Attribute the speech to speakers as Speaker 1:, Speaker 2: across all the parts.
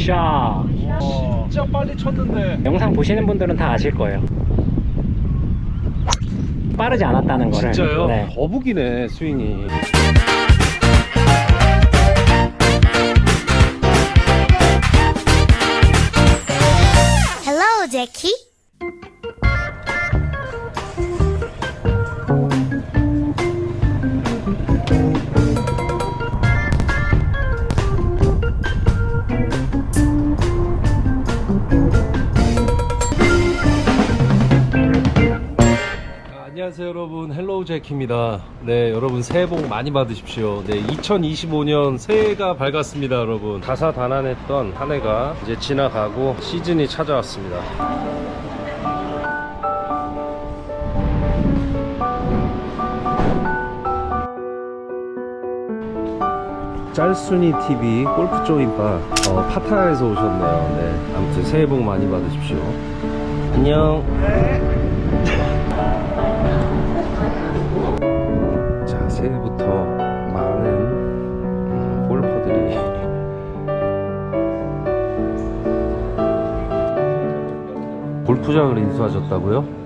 Speaker 1: 굿샷.
Speaker 2: 진짜 빨리 쳤는데.
Speaker 1: 영상 보시는 분들은 다 아실 거예요. 빠르지 않았다는 거를.
Speaker 2: 진짜요?
Speaker 1: 네.
Speaker 2: 거북이네 스윙이.
Speaker 3: Hello, Jackie.
Speaker 2: 안녕하세요 여러분, 헬로우 제키입니다. 네, 여러분 새해 복 많이 받으십시오. 네, 2025년 새해가 밝았습니다. 여러분 다사다난했던 한 해가 이제 지나가고 시즌이 찾아왔습니다. 짤순이 TV 골프 조인바 파타야에서 오셨네요. 네, 아무튼 새해 복 많이 받으십시오. 안녕. 자, 새해부터 많은 골퍼들이 골프장을 인수하셨다고요?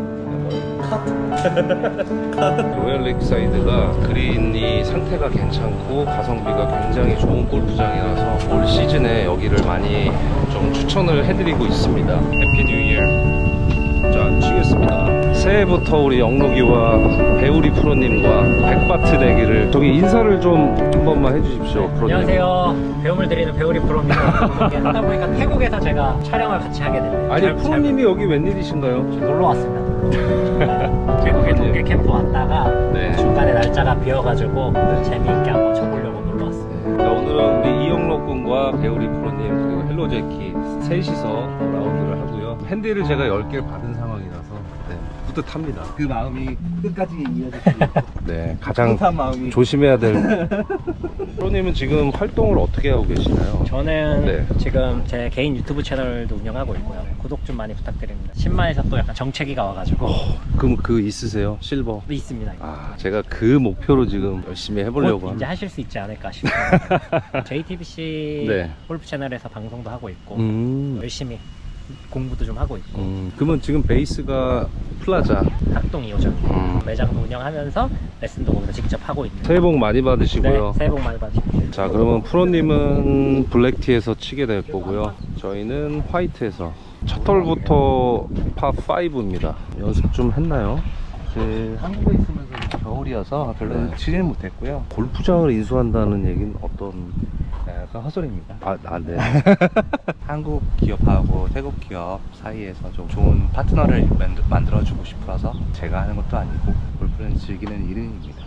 Speaker 2: 로얄 레이크사이드가 그린이 상태가 괜찮고 가성비가 굉장히 좋은 골프장이라서 올 시즌에 여기를 많이 좀 추천을 해드리고 있습니다. 해피 뉴 이어. 자, 치겠습니다. 새해부터 우리 영록이와 배우리 프로님과 백바트 내기를, 저기 인사를 좀 한 번만 해주십시오. 프로님.
Speaker 1: 안녕하세요. 배움을 드리는 배우리 프로입니다. 하다 보니까 태국에서 제가 촬영을 같이 하게 됐네요.
Speaker 2: 아니, 프로님이 여기 웬일이신가요?
Speaker 1: 놀러 왔습니다. 태국에 동계 캠프 왔다가
Speaker 2: 네.
Speaker 1: 중간에 날짜가 비어가지고 재미있게 한번 쳐보려고 놀러 왔습니다.
Speaker 2: 자, 오늘은 우리 이영록 군과 배우리 프로님 그리고 헬로 제키 셋이서 라운드를 하고요. 핸디를 제가 10개를 받은 상황이라서 네, 뿌듯합니다.
Speaker 4: 그 마음이 끝까지 이어지고
Speaker 2: 네, 가장
Speaker 4: 뿌듯한 마음이.
Speaker 2: 조심해야 될. 프로님은 지금 활동을 어떻게 하고 계시나요?
Speaker 1: 저는
Speaker 2: 네.
Speaker 1: 지금 제 개인 유튜브 채널도 운영하고 있고요. 구독 좀 많이 부탁드립니다. 10만에서 또 약간 정체기가 와가지고
Speaker 2: 그럼 그 있으세요? 실버?
Speaker 1: 있습니다.
Speaker 2: 아, 제가 그 목표로 지금 열심히 해보려고
Speaker 1: 곧 이제
Speaker 2: 합니다.
Speaker 1: 하실 수 있지 않을까 싶어요. JTBC
Speaker 2: 네.
Speaker 1: 골프 채널에서 방송도 하고 있고 열심히 공부도 좀 하고 있고
Speaker 2: 그러면 지금 베이스가 플라자.
Speaker 1: 학동 2호점 매장도 운영하면서 레슨도 거기서 직접 하고 있는.
Speaker 2: 새해 복 많이 받으시고요.
Speaker 1: 네, 새해 복 많이 받으십시오.
Speaker 2: 자, 그러면 프로님은 블랙티에서 치게 될 거고요. 저희는 화이트에서 첫 홀부터 파5입니다. 연습 좀 했나요?
Speaker 4: 그 한국에 있으면서 겨울이어서 별로 치지는 못했고요.
Speaker 2: 골프장을 인수한다는 얘기는 어떤?
Speaker 4: 약간 헛소리입니다.
Speaker 2: 네.
Speaker 4: 한국 기업하고 태국 기업 사이에서 좀 좋은 파트너를 만들어주고 싶어서 제가 하는 것도 아니고 골프는 즐기는 일입니다.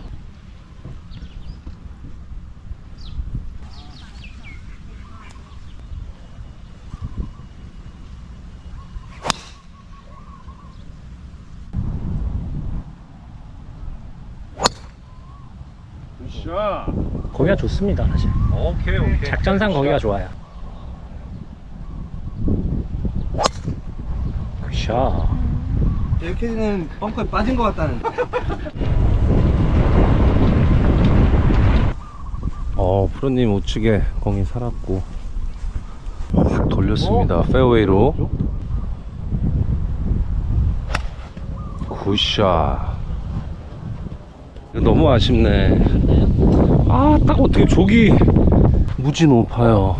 Speaker 1: 거기가 좋습니다, 사실.
Speaker 2: 오케이.
Speaker 1: 작전상 거기가 좋아요. 굿샷.
Speaker 4: 이렇게는 벙커에 빠진 것 같다는.
Speaker 2: 프로님 우측에 공이 살았고 확 돌렸습니다. 페어웨이로. 굿샷. 이거 너무 아쉽네. 아, 딱 어떻게 저기 무지 높아요.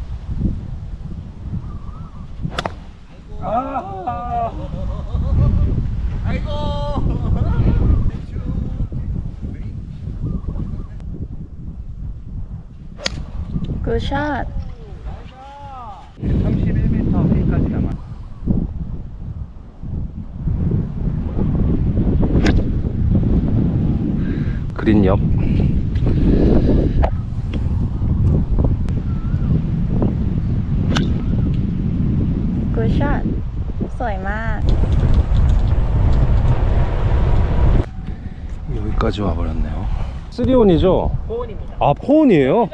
Speaker 3: 굿샷.
Speaker 4: 31m 페이까지 남아.
Speaker 2: 그린 옆.
Speaker 3: 굿샷. สวยมาก
Speaker 2: 여기까지 와버렸네요. 3온이죠?
Speaker 1: 포온입니다.
Speaker 2: 아, 포온이에요?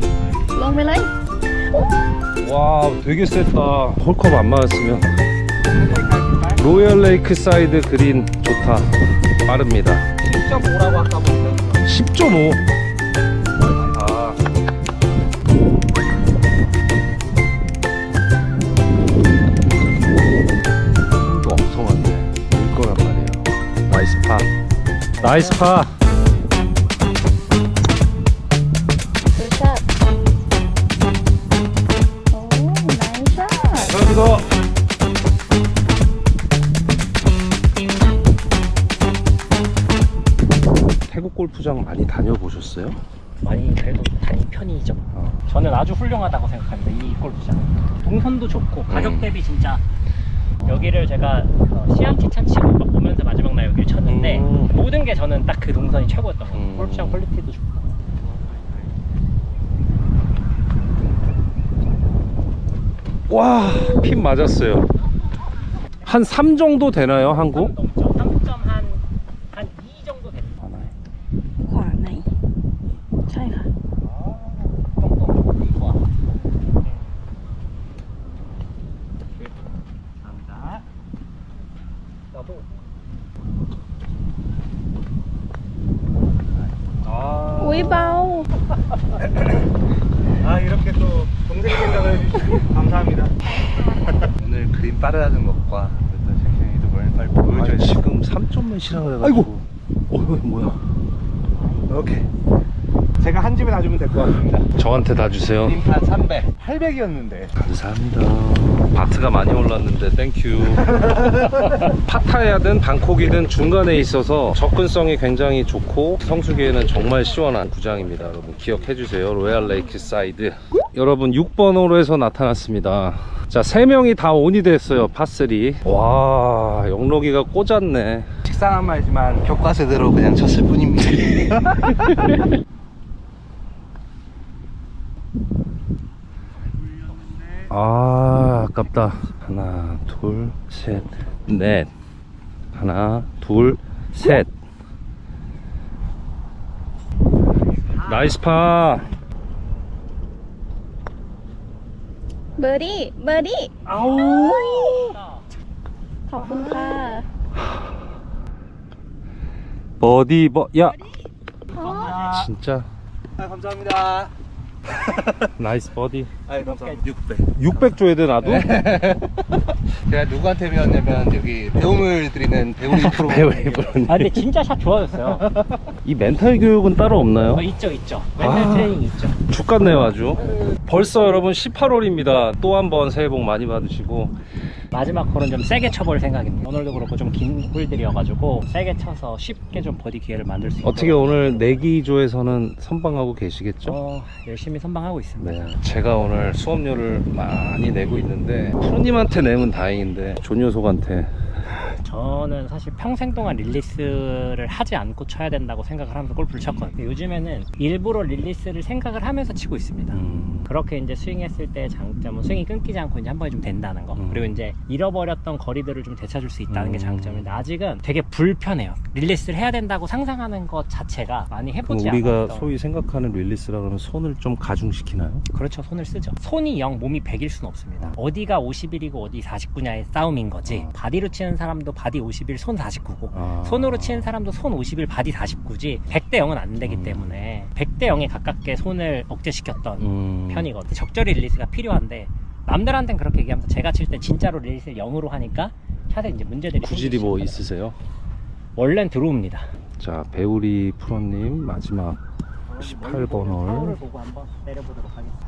Speaker 2: 와, 되게 셌다. 홀컵 안 맞았으면 로얄 레이크 사이드 그린 좋다. 빠릅니다.
Speaker 4: 10.5라고 아까 보니까
Speaker 2: 10.5.
Speaker 4: 아
Speaker 2: 힘도 엄청 많네. 올 거란 말이에요. 나이스 파. 나이스 파.
Speaker 3: 굿샷. 오, 나이스 샷.
Speaker 2: 이거 태국 골프장 많이 다녀보셨어요?
Speaker 1: 많이 그래도 다닌 편이죠. 저는 아주 훌륭하다고 생각합니다. 이 골프장. 동선도 좋고 가격 대비 진짜 여기를 제가 시암치찬 치고 막 오면서 마지막 날 여기를 쳤는데 모든 게 저는 딱 그 동선이 최고였던 것 같아요. 골프장 퀄리티도 좋고.
Speaker 2: 와, 핀 맞았어요. 한 3 정도 되나요, 한국?
Speaker 1: 3점 한 2 정도 됐어요.
Speaker 3: ขวาไหนใช่ค่ะ
Speaker 1: 정도 이거. 감사합니다. 나도.
Speaker 3: อุ้ยเบา
Speaker 4: 아 이렇게 또 동생 생각을 해주시고 감사합니다. 오늘 그림 빠르다는 것과 또 섹션이도 뭘 빨리 보여줘야 돼.
Speaker 2: 지금 3점 몇이라 그래가지고.
Speaker 4: 아이고.
Speaker 2: 뭐야?
Speaker 4: 오케이. 제가 한 집에 놔주면 될 것 같습니다.
Speaker 2: 저한테 다 주세요.
Speaker 4: 그림판 300, 800이었는데.
Speaker 2: 감사합니다. 바트가 많이 올랐는데 땡큐. 파타야든 방콕이든 중간에 있어서 접근성이 굉장히 좋고 성수기에는 정말 시원한 구장입니다. 여러분 기억해 주세요. 로얄 레이크 사이드. 여러분 6번 홀에서 나타났습니다. 자, 3명이 다 온이 됐어요. 파3. 와, 영록이가 꽂았네.
Speaker 4: 식상한 말이지만 교과서대로 그냥 쳤을 뿐입니다.
Speaker 2: 아, 아깝다. 하나, 둘, 셋, 넷. 하나, 둘, 셋. 나이스 파.
Speaker 3: เบอร์ดี้เบอร์ดี้
Speaker 2: 아우.
Speaker 3: ขอบคุณค่ะ
Speaker 2: 버디 야,
Speaker 3: อ๋อ
Speaker 2: 진짜
Speaker 4: 아, 감사합니다.
Speaker 2: 나이스 버디.
Speaker 4: 아, 감사합니다. 600.
Speaker 2: 600 줘야 돼 나도?
Speaker 4: 제가 누구한테 배웠냐면 여기 배움을 드리는 배우리 프로.
Speaker 2: 배우리 프로님.
Speaker 1: 아 근데 진짜 샷 좋아졌어요.
Speaker 2: 이 멘탈 교육은 따로 없나요?
Speaker 1: 있죠. 맨날 트레이닝 있죠.
Speaker 2: 죽 같네요 아주. 벌써 여러분 18홀입니다. 또 한 번 새해 복 많이 받으시고.
Speaker 1: 마지막 홀은 좀 세게 쳐볼 생각입니다. 오늘도 그렇고 좀 긴 홀들이어가지고 세게 쳐서 쉽게 좀 버디 기회를 만들 수 있도록
Speaker 2: 어떻게 오늘 내기조에서는 선방하고 계시겠죠?
Speaker 1: 열심히 선방하고 있습니다.
Speaker 2: 네, 제가 오늘 수업료를 많이 내고 있는데 프로님한테 내면 다행인데 존요속한테
Speaker 1: 저는 사실 평생 동안 릴리스를 하지 않고 쳐야 된다고 생각을 하면서 골프를 쳤거든요. 요즘에는 일부러 릴리스를 생각을 하면서 치고 있습니다. 그렇게 이제 스윙했을 때 장점은 스윙이 끊기지 않고 이제 한 번에 좀 된다는 거. 그리고 이제 잃어버렸던 거리들을 좀 되찾을 수 있다는 게 장점인데 아직은 되게 불편해요. 릴리스를 해야 된다고 상상하는 것 자체가 많이 해보지
Speaker 2: 우리가
Speaker 1: 않았던.
Speaker 2: 소위 생각하는 릴리스라 그러면 손을 좀 가중시키나요?
Speaker 1: 그렇죠. 손을 쓰죠. 손이 0, 몸이 100일 수는 없습니다. 어디가 51이고 어디 49냐의 싸움인 거지. 바디로 치는 사람도 바디 51, 손 49고 손으로 치는 사람도 손 51, 바디 49지 100대 0은 안 되기 때문에 100대 0에 가깝게 손을 억제시켰던 편이거든요. 적절히 릴리스가 필요한데 남들한테는 그렇게 얘기하면서 제가 칠 때 진짜로 릴리스를 0으로 하니까 샷에 이제 문제들이
Speaker 2: 구질이 뭐 있으세요?
Speaker 1: 원래는 들어옵니다.
Speaker 2: 자, 배우리 프로님 마지막 18번 홀.
Speaker 1: 파울을 보고 한번 내려보도록 하겠습니다.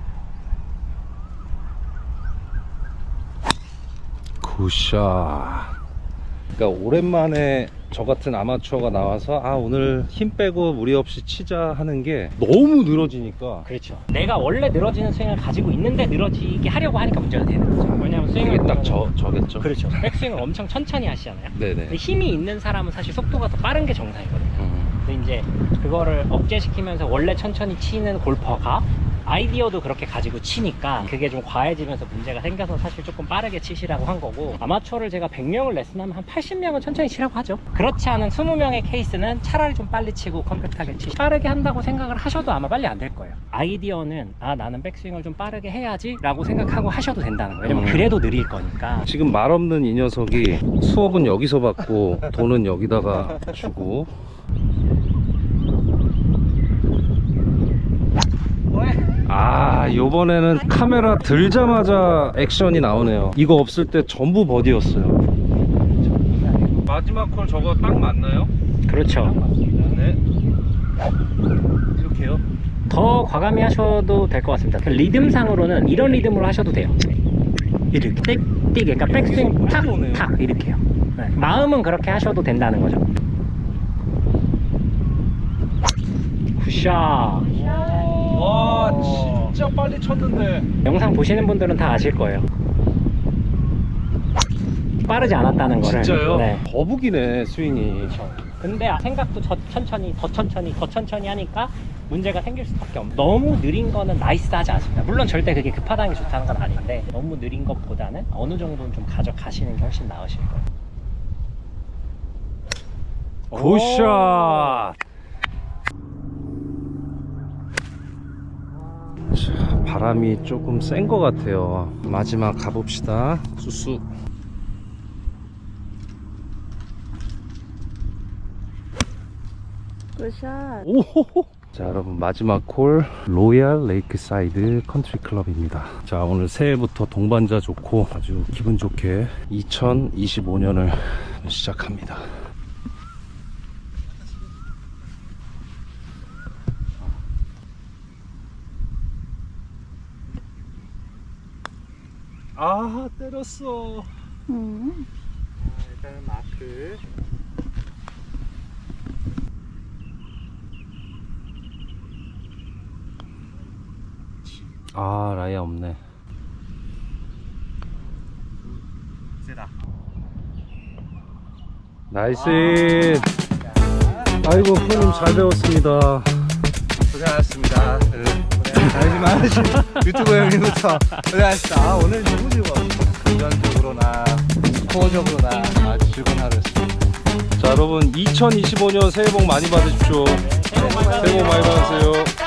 Speaker 2: 굿샷. 그러니까 오랜만에 저 같은 아마추어가 나와서 아 오늘 힘 빼고 무리 없이 치자 하는 게 너무 늘어지니까.
Speaker 1: 그렇죠. 내가 원래 늘어지는 스윙을 가지고 있는데 늘어지게 하려고 하니까 문제가 되는 거죠. 왜냐하면 스윙을
Speaker 2: 이게 딱
Speaker 1: 보면은
Speaker 2: 저겠죠.
Speaker 1: 그렇죠. 백스윙을 엄청 천천히 하시잖아요.
Speaker 2: 네네.
Speaker 1: 근데 힘이 있는 사람은 사실 속도가 더 빠른 게 정상이거든요. 근데 이제 그거를 억제시키면서 원래 천천히 치는 골퍼가 아이디어도 그렇게 가지고 치니까 그게 좀 과해지면서 문제가 생겨서 사실 조금 빠르게 치시라고 한 거고, 아마추어를 제가 100명을 레슨하면 한 80명은 천천히 치라고 하죠. 그렇지 않은 20명의 케이스는 차라리 좀 빨리 치고 컴팩트하게 치시, 빠르게 한다고 생각을 하셔도 아마 빨리 안 될 거예요. 아이디어는 나는 백스윙을 좀 빠르게 해야지 라고 생각하고 하셔도 된다는 거예요. 왜냐면 그래도 느릴 거니까.
Speaker 2: 지금 말 없는 이 녀석이 수업은 여기서 받고 돈은 여기다가 주고. 아, 요번에는 카메라 들자마자 액션이 나오네요. 이거 없을 때 전부 버디였어요. 마지막 콜 저거 딱 맞나요?
Speaker 1: 그렇죠.
Speaker 2: 네. 이렇게요?
Speaker 1: 더 과감히 하셔도 될 것 같습니다. 그 리듬상으로는 이런 리듬으로 하셔도 돼요. 이렇게 띡, 그러니까 백스윙 탁, 탁 이렇게요. 네. 마음은 그렇게 하셔도 된다는 거죠. 굿샷.
Speaker 2: 와, 진짜 빨리 쳤는데.
Speaker 1: 영상 보시는 분들은 다 아실 거예요. 빠르지 않았다는 거를.
Speaker 2: 진짜요?
Speaker 1: 네.
Speaker 2: 거북이네, 스윙이.
Speaker 1: 근데 생각도 더 천천히 하니까 문제가 생길 수밖에 없어요. 너무 느린 거는 나이스하지 않습니다. 물론 절대 그게 급하다는 게 좋다는 건 아닌데, 너무 느린 것보다는 어느 정도는 좀 가져가시는 게 훨씬 나으실 거예요.
Speaker 2: 굿샷! 자, 바람이 조금 센 것 같아요. 마지막 가봅시다. 수수.
Speaker 3: 굿샷.
Speaker 2: 오호호. 자, 여러분, 마지막 콜 로얄 레이크사이드 컨트리 클럽입니다. 자, 오늘 새해부터 동반자 좋고 아주 기분 좋게 2025년을 시작합니다. 아, 때렸어.
Speaker 4: 일단은 마크.
Speaker 2: 아, 라이아 없네.
Speaker 4: 세다.
Speaker 2: 나이스. 아이고, 프로님 잘 배웠습니다.
Speaker 4: 고생하셨습니다. 알지만 유튜브 형님부터 고생하셨습니다. 아, 오늘 너무 즐거웠어요. 금전적으로나 스코어적으로나 아주 즐거운 하루였습니다.
Speaker 2: 자, 여러분, 2025년 새해 복 많이 받으십시오. 새해 복 많이 받으세요.